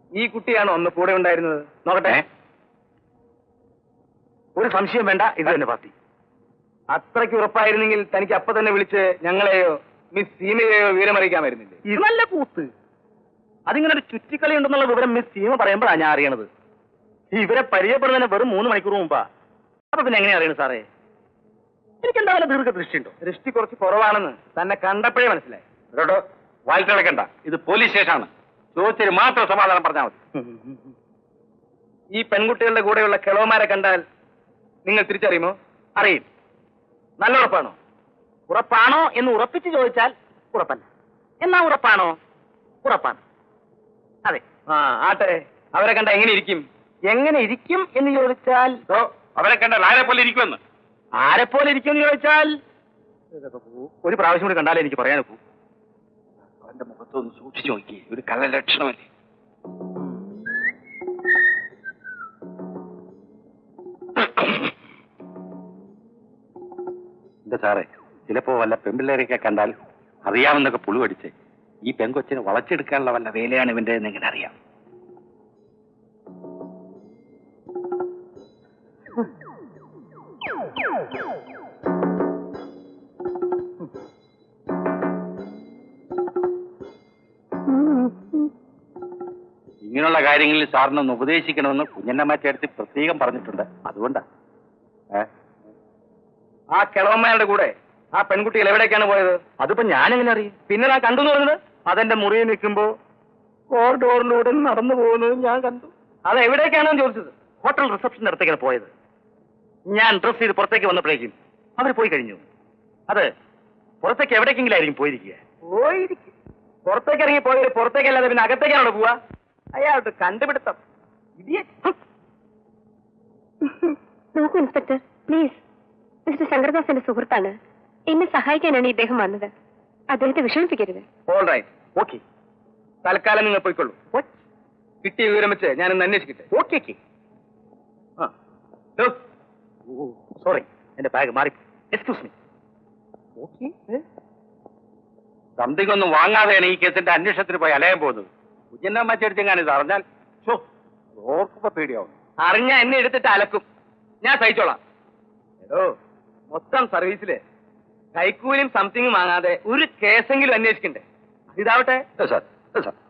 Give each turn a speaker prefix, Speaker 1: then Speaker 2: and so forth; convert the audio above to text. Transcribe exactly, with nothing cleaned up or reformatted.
Speaker 1: ഈ കുട്ടിയാണോ ഒന്ന് കൂടെ ഉണ്ടായിരുന്നത്? നോക്കട്ടെ. ഒരു സംശയം വേണ്ട, ഇത് തന്നെ പാർട്ടി. അത്രയ്ക്ക് ഉറപ്പായിരുന്നെങ്കിൽ തനിക്ക് അപ്പൊ തന്നെ വിളിച്ച് ഞങ്ങളെയോ മിസ് സീമയെയോ വിവരമറിയിക്കാമായിരുന്നില്ലേ?
Speaker 2: ഇത് നല്ല കൂത്ത്. അതിങ്ങനെ ഒരു ചുറ്റിക്കളി ഉണ്ടെന്നുള്ള വിവരം മിസ് സീമ പറയുമ്പോഴാണ് ഞാൻ അറിയണത്. ഇവരെ പരിചയപ്പെടുന്നതിന് വെറും മൂന്ന് മണിക്കൂർ മുമ്പാ. അപ്പൊ പിന്നെ എങ്ങനെയാ അറിയണത് സാറേ? എനിക്ക് എന്താ ദീർഘ ദൃഷ്ടിയുണ്ടോ?
Speaker 1: ദൃഷ്ടി കുറച്ച് കുറവാണെന്ന് തന്നെ കണ്ടപ്പോഴേ മനസ്സിലായി.
Speaker 3: കേട്ടോ, വായിച്ചിളക്കണ്ട. ഇത് പോലീസ് സ്റ്റേഷനാണ്. ചോദിച്ചതിന് മാത്രം സമാധാനം പറഞ്ഞാൽ മതി.
Speaker 1: ഈ പെൺകുട്ടികളുടെ കൂടെയുള്ള കിളവന്മാരെ കണ്ടാൽ നിങ്ങൾ തിരിച്ചറിയുമോ?
Speaker 2: അറിയും. നല്ല ഉറപ്പാണോ? ഉറപ്പാണോ എന്ന് ഉറപ്പിച്ച് ചോദിച്ചാൽ ഉറപ്പല്ല. എന്നാ ഉറപ്പാണോ? ഉറപ്പാണ്. അതെ.
Speaker 1: ആ ആട്ടെ, അവരെ കണ്ട എങ്ങനെ ഇരിക്കും?
Speaker 2: എങ്ങനെ ഇരിക്കും എന്ന് ചോദിച്ചാൽ
Speaker 3: അവരെ കണ്ടാൽ ആരെ പോലെ ഇരിക്കുമെന്ന്.
Speaker 2: ആരെപ്പോലെ ഇരിക്കും എന്ന് ചോദിച്ചാൽ ഒരു പ്രാവശ്യം കൂടി കണ്ടാലേ എനിക്ക് പറയാനൊക്കൂ.
Speaker 3: അവന്റെ മുഖത്തൊന്ന് സൂക്ഷിച്ചു നോക്കി. ഒരു കള്ള ലക്ഷണമല്ലേ? എന്താ സാറേ, ചിലപ്പോ വല്ല പെൺപിള്ളേരെയൊക്കെ കണ്ടാൽ അറിയാമെന്നൊക്കെ പുളുവടിച്ച് ഈ പെങ്കൊച്ചിനെ വളച്ചെടുക്കാനുള്ള വല്ല വേലയാണ് ഇവന്റെ എങ്ങനെ അറിയാം. ഇങ്ങനെയുള്ള കാര്യങ്ങളിൽ സാറിനൊന്ന് ഉപദേശിക്കണമെന്ന് കുഞ്ഞന്നമ്മച്ചേർത്തി പ്രത്യേകം പറഞ്ഞിട്ടുണ്ട്. അതുകൊണ്ടാ.
Speaker 1: ആ കിളവന്മാരുടെ കൂടെ ആ പെൺകുട്ടികൾ എവിടേക്കാണ് പോയത്?
Speaker 2: അതിപ്പോ ഞാനെങ്ങനെ അറിയും?
Speaker 1: പിന്നെ ഞാൻ കണ്ടു എന്ന് പറഞ്ഞത്
Speaker 2: അതെന്റെ മുറിയിൽ നിൽക്കുമ്പോ കോറിഡോറിലൂടെ നടന്നു പോകുന്നത് ഞാൻ കണ്ടു.
Speaker 1: അത് എവിടേക്കാണെന്ന് ചോദിച്ചത്.
Speaker 2: ഹോട്ടൽ റിസപ്ഷന്റെ അടുത്തേക്കാണ് പോയത്. ഞാൻ ഡ്രസ് ചെയ്ത് പുറത്തേക്ക് വന്നപ്പോഴേക്കും അവർ പോയി കഴിഞ്ഞു. അത് പുറത്തേക്ക് എവിടേക്കെങ്കിലും ആയിരിക്കും പോയിരിക്കുക.
Speaker 1: പോയിരിക്കും. പുറത്തേക്ക് ഇറങ്ങി പോയത് പുറത്തേക്കല്ലാതെ പിന്നെ അകത്തേക്കാണോ പോവാ? അയാളുടെ കണ്ടുപിടുത്തം.
Speaker 4: നോക്കൂ ഇൻസ്പെക്ടർ, പ്ലീസ്. മിസ്റ്റർ ശങ്കർദാസിന്റെ സുഹൃത്താണ്. എന്നെ സഹായിക്കാനാണ് ഇദ്ദേഹം വന്നത്. അദ്ദേഹത്തെ വിഷമിപ്പിക്കരുത്.
Speaker 1: All right, okay. തൽക്കാലം നിങ്ങൾ പോയിക്കൊള്ളൂ. കിട്ടിയ വിവരം വെച്ച് ഞാനൊന്ന് അന്വേഷിക്കട്ടെ.
Speaker 2: ഓക്കെ. സോറി, എന്റെ ബാഗ് മാറി. Excuse me.
Speaker 3: ഓക്കെ. സംതിങ് ഒന്നും വാങ്ങാതെയാണ് ഈ കേസിന്റെ അന്വേഷണത്തിന് പോയി അലയാൻ പോകുന്നത്. കുഞ്ഞന്നമ്മച്ചേർച്ചെങ്ങാണ് ഇത് അറിഞ്ഞാൽ ഓർക്കുമ്പോ പേടിയാവും.
Speaker 1: അറിഞ്ഞ എന്നെ എടുത്തിട്ട് അലക്കും. ഞാൻ സഹിച്ചോളാം. എടോ, മൊത്തം സർവീസില് കൈക്കൂലിയും സംതിങ്ങും വാങ്ങാതെ ഒരു കേസെങ്കിലും അന്വേഷിക്കണ്ടേ? ഇതാവട്ടെ
Speaker 3: സാർ സാർ